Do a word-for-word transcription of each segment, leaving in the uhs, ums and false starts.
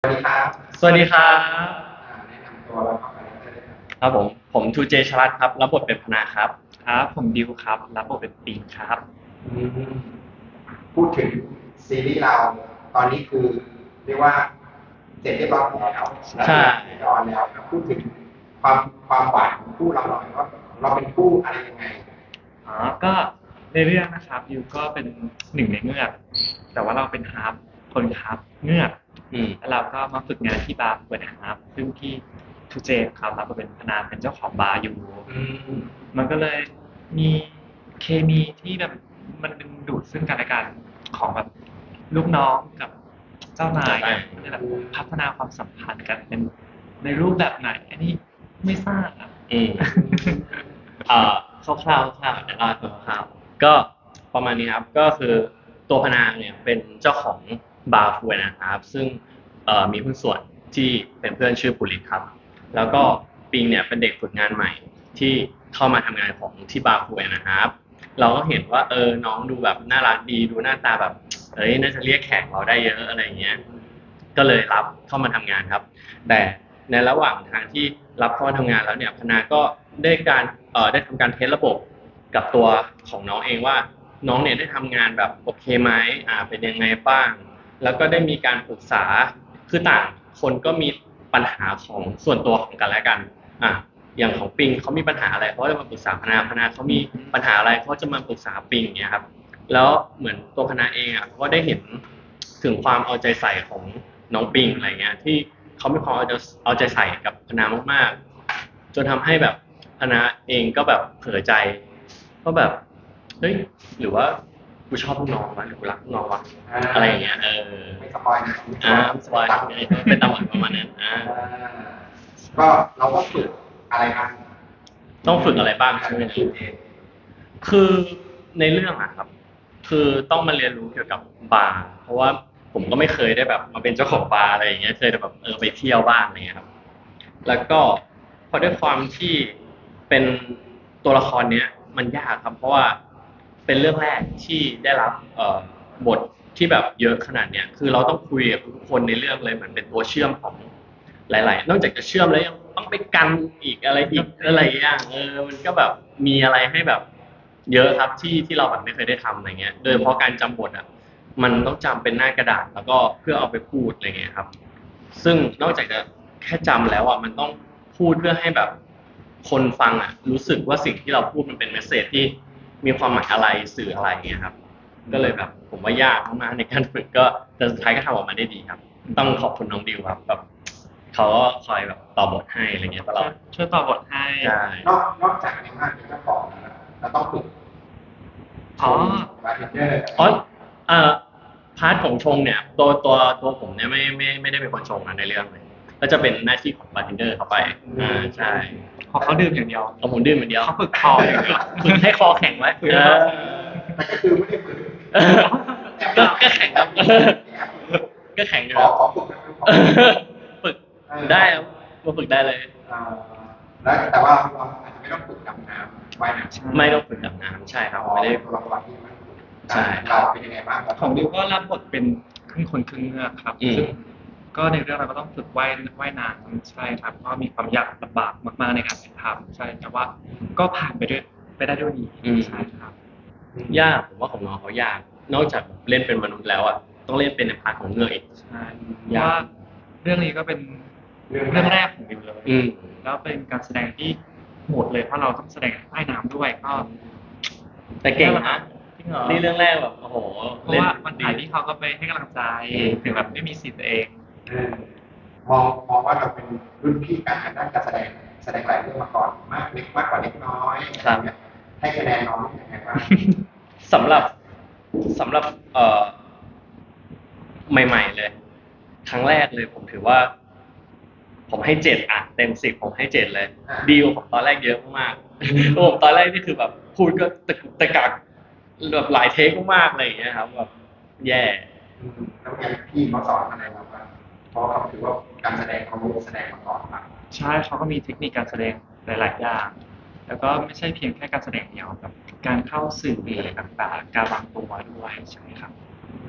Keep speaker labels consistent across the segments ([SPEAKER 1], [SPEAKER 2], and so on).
[SPEAKER 1] สวัสดีครับ
[SPEAKER 2] สวัสดีครับ
[SPEAKER 1] อ่าแนะนำตัวแล้วก็คาแรคเตอร์ด้วยครับ
[SPEAKER 2] ครับผมผมทูเจชลัดครับรับบทเป็นพนาครับ
[SPEAKER 3] ครับผมดิวครับรับบทเป็นปิงครับ
[SPEAKER 1] อืมพูดถึงซีรีส์เราตอนนี้คือเรียกว่าเสร็จเรียบร้อยแล้วแล้ว
[SPEAKER 2] ใช่
[SPEAKER 1] ก็จะออนแล้วครับพูดถึงความความหวานของคู่เราหน่อยว่าเราเป็นคู่อะไรยังไง
[SPEAKER 3] อ๋อก็ในเรื่องนะครับดิวก็เป็นหนึ่งในเงือกแต่ว่าเราเป็นฮาร์ฟคนฮาร์ฟเงือก
[SPEAKER 2] อืม
[SPEAKER 3] แล้วเราก็มาฝึกงานที่บาร์เปิดฮาร์ฟซึ่งที่ทูเจครับรับบทเป็นพนาเป็นเจ้าของบาร์อยู่
[SPEAKER 1] อืม
[SPEAKER 3] มันก็เลยมีเคมีที่แบบมันดึงดูดซึ่งกันและกันของแบบลูกน้องกับเจ้านายอะมันจะแบบพัฒนาความสัมพันธ์กันเป็นในรูปแบบไหนอันนี้ไม่ทราบอะ
[SPEAKER 2] อืมเอ่อคร่าวๆคร่าวๆเดี๋ยวเล่าให้ฟังคร่าวๆก็ประมาณนี้ครับก็คือตัวพนาเนี่ยเป็นเจ้าของบาร์ฟูนะครับซึ่งเอ่อมีหุ้นส่วนที่เป็นเพื่อนชื่อปุริตครับแล้วก็ปิงเนี่ยเป็นเด็กฝึกงานใหม่ที่เข้ามาทำงานของที่บาร์ฟูนะครับเราก็เห็นว่าเออน้องดูแบบน่ารักดีดูหน้าตาแบบเอ้ยน่าจะเรียกแขกเราได้เยอะอะไรเงี้ยก็เลยรับเข้ามาทำงานครับแต่ในระหว่างทางที่รับเข้ามาทำงานแล้วเนี่ยพนาก็ได้การเอ่อได้ทำการเทสระบบกับตัวของน้องเองว่าน้องเนี่ยได้ทำงานแบบโอเคไหมอ่าเป็นยังไงบ้างแล้วก็ได้มีการปรึกษาคือต่างคนก็มีปัญหาของส่วนตัวของกันและกันอ่ะอย่างของปิงเขามีปัญหาอะไรเขาจะมาปรึกษาพนาพนาเขามีปัญหาอะไรเขาจะมาปรึกษาปิงอย่างเงี้ยครับแล้วเหมือนตัวพนาเองอ่ะก็ได้เห็นถึงความเอาใจใส่ของน้องปิงอะไรเงี้ยที่เขามีความเอาใจเอาใจใส่กับพนามากๆจนทำให้แบบพนาเองก็แบบเผลอใจก็แบบเฮ้ยหรือว่ากูชอบลูกน้องวะหรือกูรักลูกน้องวะอะไรอย่างเงี้ยเออ
[SPEAKER 1] ไม่สปอยนะ
[SPEAKER 2] อ่าสบาย
[SPEAKER 1] ตัด
[SPEAKER 2] เป็นตำหวันประมาณนั้นอ่า
[SPEAKER 1] อ่าก็เราก็ฝึกอะไรครับ
[SPEAKER 2] ต้องฝึกอะไรบ้างใช่ไหม
[SPEAKER 1] ฝึกเอง
[SPEAKER 2] คือในเรื่องอะครับคือต้องมาเรียนรู้เกี่ยวกับบาร์เพราะว่าผมก็ไม่เคยได้แบบมาเป็นเจ้าของบาร์อะไรอย่างเงี้ยเคยแต่แบบเออไปเที่ยวบ้างอะไรเงี้ยครับแล้วก็พอด้วยความที่เป็นตัวละครเนี้ยมันยากครับเพราะว่าเป็นเรื่องแรกที่ได้รับเอ่อบทที่แบบเยอะขนาดเนี้ยคือเราต้องคุยกับทุกคนในเรื่องเลยเหมือนเป็นตัวเชื่อมของ หลายๆนอกจากจะเชื่อมแล้วยังต้องไปกันอีกอะไรอีกอะไรอย่างเออมันก็แบบมีอะไรให้แบบเยอะครับที่ที่เราแบบไม่เคยได้ทำอะไรเงี้ยโดยเฉพาะการจำบทอ่ะมันต้องจำเป็นหน้ากระดาษแล้วก็เพื่อเอาไปพูดอะไรเงี้ยครับซึ่งนอกจากจะแค่จำแล้วอ่ะมันต้องพูดเพื่อให้แบบคนฟังอ่ะรู้สึกว่าสิ่งที่เราพูดมันเป็นเมสเสจที่มีความหมายอะไรสื่ออะไรเงี้ยครับก็เลยแบบผมว่ายากมากๆในการฝึกก็แต่สุดท้ายก็ทำออกมาได้ดีครับต้องขอบคุณน้องดิวครับแบบ เขาก็คอยแบบต่อบทให้อะไรเงี้ยตลอด
[SPEAKER 3] ช่วยตอบบทให้
[SPEAKER 2] ใช่
[SPEAKER 1] นอกนอกจากในภาคเป็นเจ้าของแล้วเราต้องฝึกช
[SPEAKER 3] อ๋อ
[SPEAKER 1] มบาร์เทนเดอร์
[SPEAKER 2] อ๋อเอ่อพาร์ทของชงเนี่ยตัวตัวตัวผมเนี่ยไม่ไม่ไม่ได้เป็นคนชงนะในเรื่องเลยก็จะเป็นหน้าที่ของบาร์เทนเดอร์เข้าไปอ่าใช่
[SPEAKER 3] พอเขาดื่มอย่างเดียว
[SPEAKER 2] เอาผมดื่มอย่างเดียว
[SPEAKER 3] เขาฝึกคออย่างเดียว
[SPEAKER 2] ฝึกให้คอแข็งไว้
[SPEAKER 3] ฝึก
[SPEAKER 2] เอ
[SPEAKER 3] ให้คอ
[SPEAKER 2] อ
[SPEAKER 3] แข็ง
[SPEAKER 1] แต่ก็คือไม่ได้ฝึก
[SPEAKER 2] ก็ก็แข็งครับก็แข็งอยู่
[SPEAKER 1] ขอ
[SPEAKER 2] ครับ
[SPEAKER 1] ขอฝึกนะขอฝึก
[SPEAKER 2] ฝึกได้ครับมาฝึกได้เลย
[SPEAKER 1] อ่าแล้วแต่ว่าเราอาจจะไม่ต้องฝึกดำน้ำว่ายน้ำ
[SPEAKER 2] ไม่ต้องฝึกดำน้ำใช่ครับไม่ได้
[SPEAKER 1] ตัวละครที่มันฝึก
[SPEAKER 2] ใช่
[SPEAKER 1] เราเป็นยังไงบ้างครับ
[SPEAKER 3] ของดิวก็รับบทเป็นครึ่งคนครึ่งเงือกครับ
[SPEAKER 2] อืม
[SPEAKER 3] ซึ่งก็ในเรื่องเราก็ต้องฝึกว่ายว่ายน้ำใช่ครับก็มีความยากลำบากมากๆในการถ่ายทำใช่แต่ว่าก็ผ่านไปด้วยไปได้ด้วยดีใช่ครับ
[SPEAKER 2] ยากผมว่าของน้องเขายากนอกจากเล่นเป็นมนุษย์แล้วอ่ะต้องเล่นเป็นในพาร์ทของเงือกอีก
[SPEAKER 3] ใช่เพราะว่าเรื่องนี้ก็เป็น
[SPEAKER 1] เรื่อง
[SPEAKER 3] เรื่อง
[SPEAKER 1] แรก
[SPEAKER 3] แรกของดิวเลย
[SPEAKER 2] อืม
[SPEAKER 3] แล้วเป็นการแสดงที่โหดเลยเพราะเราต้องแสดงใต้น้ำด้วยก็
[SPEAKER 2] แต่เก่งนะ
[SPEAKER 3] จริงเหรอ
[SPEAKER 2] นี่เรื่องแรกแบบโอ้โห
[SPEAKER 3] เพราะ
[SPEAKER 2] เล่น
[SPEAKER 3] ว่ามันถ่ายที่เขาก็ไปให้กำลังใจถึงแบบไม่มีสิทธิ์ตัวเอง
[SPEAKER 1] เออมองมองว่าเราเป็นรุ่นพี่กันทางด้านการแสดงแสดงหลายเรื่องมาก่อนมากเล็กมากกว่าเล็กน้อยอะไรเงี้ยให้คะแนนน้องยังไงบ้าง
[SPEAKER 2] สำหรับสำหรับเอ่อใหม่ๆเลยครั้งแรกเลยผมถือว่า ผมให้เจ็ดอ่ะเต็มสิบผมให้เจ็ดเลยดีกว่าผมตอนแรกเยอะมากๆผมตอนแรกนี่คือแบบพูดก็ตะกุกตะกักแบบหลายเทคมากๆอะไรอย่างเงี้ยครับแบบแย่
[SPEAKER 1] อืมแล้วอย่างพี่เขาสอนอะไรเราบ้างเพราะเขาถือว่าการแสดงเขาแสดงมาก่อนมาก
[SPEAKER 3] ใช่เขาก็มีเทคนิคการแสดงหลายๆอย่างแล้วก็ไม่ใช่เพียงแค่การแสดงเดียวแบบการเข้าสื่ออะไรต่างๆการวางตัวด้วยใช่ไหมครับ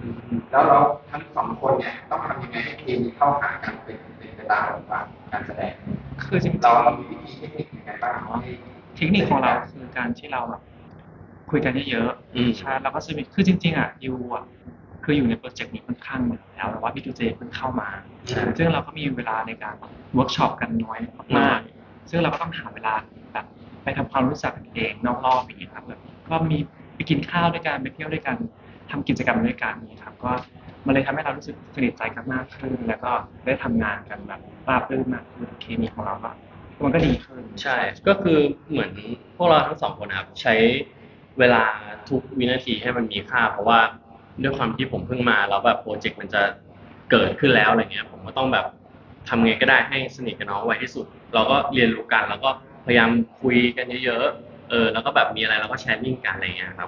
[SPEAKER 1] แล้วเราทั้งสองคนเนี่ยต้องทำยังไงให้เคมีเข้าหากันเป็นเป็นไปตามบทบาทการแสดง
[SPEAKER 3] คือจริงๆ
[SPEAKER 1] เราเรามีวิธีเทคนิคยังไงบ้างให้
[SPEAKER 3] เทคนิคของเราคือการที่เราแบบคุยกันเยอะ
[SPEAKER 2] อืม
[SPEAKER 3] ๆใช่แล้วก็จะมีคือจริงๆอ่ะยูอ่ะคืออยู่ในโปรเจกต์นี้ค่อนข้างนานแล้วแต่ว่าพี่จูเจเพิ่งเข้ามา ซึ่งเราก็มีเวลาในการเวิร์กช็อปกันน้อยมากๆซึ่งเราก็ต้องหาเวลาแบบไปทำความรู้จักกันเองนอกรอบอย่างเงี้ยครับแบบก็มีไปกินข้าวด้วยกันไปเที่ยวด้วยกันทำกิจกรรมด้วยกันนี่ครับก็มันเลยทำให้เรารู้สึกสนิทใจกันมากขึ้น แล้วก็ได้ทำงานกันแบบราบรื่นมากขึ้นเคมีของเราก็มันก็ดีขึ้น
[SPEAKER 2] ใช่ ก็คือเหมือนพวกเราทั้งสองคนนะครับใช้เวลาทุกวินาทีให้มันมีค่า เพราะว่าด้วยความที่ผมเพิ่งมาแล้วแบบโปรเจกต์มันจะเกิดขึ้นแล้วอะไรเงี้ยผมก็ต้องแบบทำไงก็ได้ให้สนิทกับน้องไวที่สุด เราก็เรียนรู้กันแล้วก็พยายามคุยกันเยอะๆเออแล้วก็แบบมีอะไรเราก็แชร์ลิงก์กันอะไรเงี้ยครับ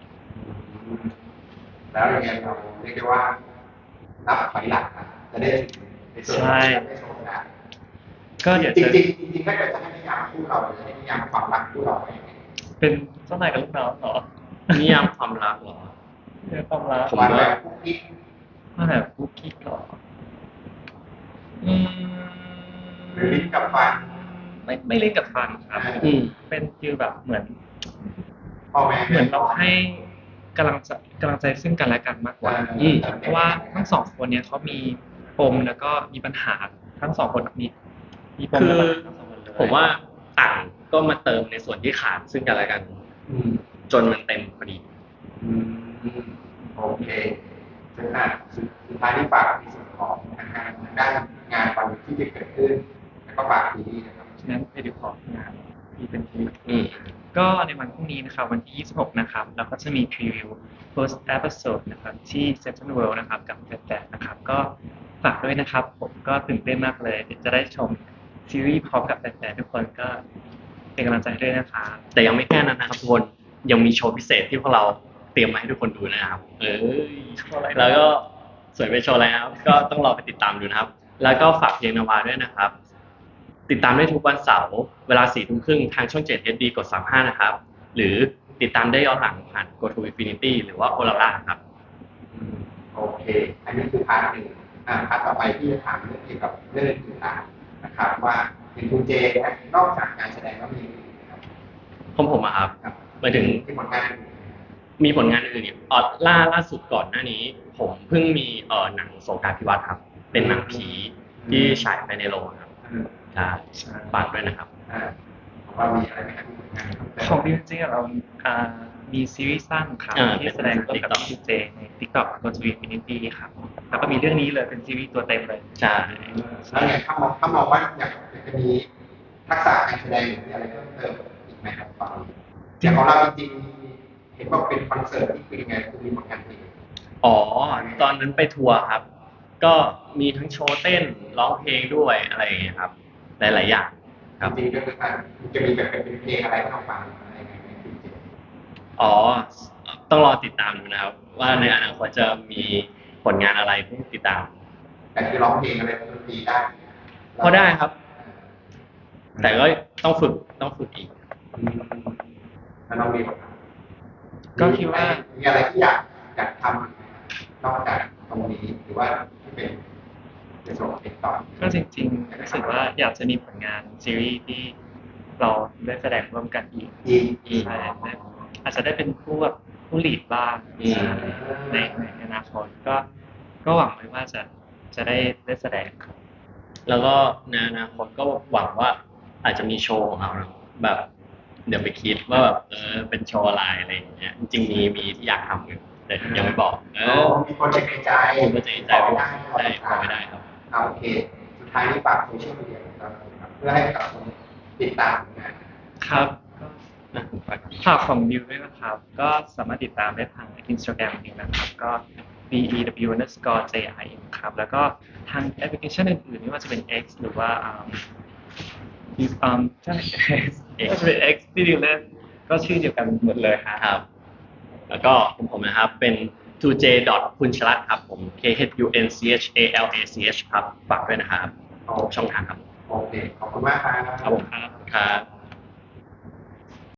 [SPEAKER 1] แล้วยังไงเราเรียกได้ว่านับถอยหลังนะจะได้ถึงในส่วนที่เราได้โชว์ได้
[SPEAKER 3] ก็เดี๋ยว
[SPEAKER 1] จ
[SPEAKER 3] จะ
[SPEAKER 1] ริงๆจริงๆถ้าเกิดจะให้นิยามคู่เราจะให้นิยามความรักคู่เราไว้ยังไง
[SPEAKER 3] เป็นเจ้านายกับลูกน้องเหรอ
[SPEAKER 2] นิยามความรักเหรอ
[SPEAKER 3] เป็นความรัก
[SPEAKER 2] ผม
[SPEAKER 1] วัน
[SPEAKER 2] ว่า
[SPEAKER 1] แบบคุกกิ๊ก
[SPEAKER 3] ว่าแบบกุ๊กกิ๊กเหรออืม
[SPEAKER 1] หรือลิ้นกับฟัน
[SPEAKER 3] ไม่ไม่เล่นกับฟันครับ
[SPEAKER 2] อืม
[SPEAKER 3] เป็นฟีลแบบเหมือน
[SPEAKER 1] พ่อแม่
[SPEAKER 3] เหมือนเราให้กำลังใจกำลังใจซึ่งกันและกันมากกว่า
[SPEAKER 2] อืม
[SPEAKER 3] เพราะว่าทั้งสองคนเนี้ยเขามีปมแล้วก็มีปัญหาทั้งสองคนมีมีปม
[SPEAKER 2] คือ
[SPEAKER 3] และปัญหาทั้งสองคนเลย
[SPEAKER 2] ผมว่าต่างก็มาเติมในส่วนที่ขาดซึ่งกันและกัน
[SPEAKER 1] อืม
[SPEAKER 2] จนมันเต็มพอดี
[SPEAKER 1] อืมโอเคซึ่งอ่ะสุดสุดท้ายที่ฝากในส่วนของทางการทางด้านงานวันที่จะเกิดขึ้นแล้วก็ฝากทีนี้นะครับ
[SPEAKER 3] ฉะนั้นไปดูของานที่เป็นที
[SPEAKER 2] อืม
[SPEAKER 3] ก็ในวันพรุ่งนี้นะครับวันที่ ยี่สิบหก นะครับเราก็จะมีพรีวิว first episode นะครับที่ Central World นะครับกับแฟนๆนะครับก็ฝากด้วยนะครับ ผมก็ตื่นเต้นมากเลยเดี๋ยวจะได้ชมซีรีส์พร้อมกับแฟนๆทุกคนก็เป็นกำลังใจให้ด้วยนะครับ
[SPEAKER 2] แต่ยังไม่แค่นั้นนะครับทุกคนยังมีโชว์พิเศษที่พวกเราเตรียมมาให้ทุกคนดูนะครับ เออ
[SPEAKER 3] โชว์อะไรนะ
[SPEAKER 2] แล้วก็สวยไปโชว์อะไรนะครับ ก็ต้องรอไปติดตามดูนะครับ แล้วก็ฝากเพลงนาวาด้วยนะครับ ติดตามได้ทุกวันเสาร์เวลาสี่ทุ่มครึ่งทางช่องเจ็ด เอช ดี กดสามสิบห้านะครับ หรือติดตามได้ย้อนหลังผ่าน Go to Infinity หรือว่า Olara ครับ
[SPEAKER 1] อืมโอเค อันนี้คือพาร์ทหนึ่งอ่าพาร์ทต่อไปที่จะถามเรื่องเกี่ยวกับเรื่องอื่นๆนะครับว่าเป็นคุณเจนะนอกจากการแสดงแล้วมีอะไรอีกไหมครับ
[SPEAKER 2] ของผมอะครับ
[SPEAKER 1] ครับ
[SPEAKER 2] หมายถึง
[SPEAKER 1] ที่ผลงานอื่น
[SPEAKER 2] มีผลงานอื่นอีกอ๋อล่าล่าสุดก่อนหน้านี้ ผมเพิ่งมีเอ่อหนังสงกรานต์พิวัตรครับ เป็นหนังผีที่ฉายไปในโรงครับ
[SPEAKER 1] อืม
[SPEAKER 2] ใช่ฝากด้วยนะครับ
[SPEAKER 1] อ่าของเรามีอะไรไหมครับที่ผลงานครับ
[SPEAKER 3] ของดิวจริงๆเราอ่ามีซีรีส์สั้นครับ
[SPEAKER 2] อ่า
[SPEAKER 3] ที่แสดงร่วมกับ
[SPEAKER 2] TikTok
[SPEAKER 3] พี่เจใน TikTok Go to Infinity ครับแล้วก็มีเรื่องนี้เลยเป็นซีรีส์ตัวเต็มเลย
[SPEAKER 2] ใช่
[SPEAKER 1] แล้วเนี่ยถ้ามองถ้ามองว่าอยากจะมีทักษะการแสดงหรือมีอะไรเพิ่มเติมอีกไหมครับตอนนี้อย่างของเราจริงๆเห็นว่าเป็นคอนเสิร์ตที่คือยังไงคือมีผลงานเพลง
[SPEAKER 2] อ๋อ ตอนนั้นไปทัวร์ครับ ก็มีทั้งโชว์เต้นร้องเพลงด้วยอะไรอย่างเงี้ยครับ หลายๆอย่างครับ
[SPEAKER 1] จริงๆก็คือการจะมีแบบเป็นเพลงอะไรให้เราฟังอะไรยังไงไหมจริง
[SPEAKER 2] อ๋อ ต้องรอติดตามดูนะครับ ว่าในอนาคตจะมีผลงานอะไรให้ติดตาม
[SPEAKER 1] ๆแต่คือร้องเพลงอะไรดนตรีได้
[SPEAKER 2] พอได้ครับ แต่ก็ต้องฝึกต้องฝึกอีก
[SPEAKER 1] อืมแล้วน้องมีไหมครับ
[SPEAKER 3] ก็คิดว่า
[SPEAKER 1] มีอะไรที่อยากอยากทำอีกไหมครับนอกจากตรงนี้หรือว่าที่เป็นเป็นส่วนเป็นตอน
[SPEAKER 3] ก็จริงๆรู้สึกว่าอยากจะมีผลงานซีรีส์ที่เราได้แสดงร่วมกันอีก
[SPEAKER 1] อีก
[SPEAKER 2] อืม
[SPEAKER 3] ใช่ได้อาจจะได้เป็นผู้แบบผู้ลีดบ้าง
[SPEAKER 2] อืม
[SPEAKER 3] ในในอนาคตก็ก็หวังไว้ว่าจะจะได้ได้แสดงครับ
[SPEAKER 2] แล้วก็ในอนาคตก็หวังว่าอาจจะมีโชว์ของเราแบบ เดี๋ยวไปคิดว่าแบบเออเป็นโชว์อะไรอะไรอย่างเงี้ย จริงๆมีมีที่อยากทำอยู่แต่ยังไม่บอก เอ
[SPEAKER 1] โอ้
[SPEAKER 2] อ
[SPEAKER 1] มีโปรเจกต์ในใจ
[SPEAKER 2] มีโปรเจกต์ในใจ
[SPEAKER 1] บอก
[SPEAKER 2] ใช่
[SPEAKER 1] ไม่ได้
[SPEAKER 2] บอกไม่ได้ครับ
[SPEAKER 1] เอาโอเค สุดท้ายนี้ฝากโซเชียลมีเดียของเราครับเพื่อให้กับคนติดตามงาน
[SPEAKER 3] ครับ
[SPEAKER 2] นะฝาก
[SPEAKER 3] ฝากของดิวด้วยนะครับ ก็สามารถติดตามได้ทาง Instagram ดิวนะครับ ก็ b e w underscore j i m ครับ แล้วก็ทางแอปพลิเคชันอื่นๆไม่ว่าจะเป็น X หรือว่าอืมอืมใช่ X ไม่ว่าจะเป็น X ที่ดิวเล่นก็ชื่อเดียวกันหมดเลยครับ
[SPEAKER 2] ครับ แล้วก็ของผมนะครับเป็น ทู เจ พุนชลัตน์ครับผม k h u n c h a l a c h ครับฝากด้วยนะครับ
[SPEAKER 1] โอเค
[SPEAKER 2] ช่องทางครับ
[SPEAKER 1] โอเค ขอบคุณมากครับ
[SPEAKER 2] ครับผมครับ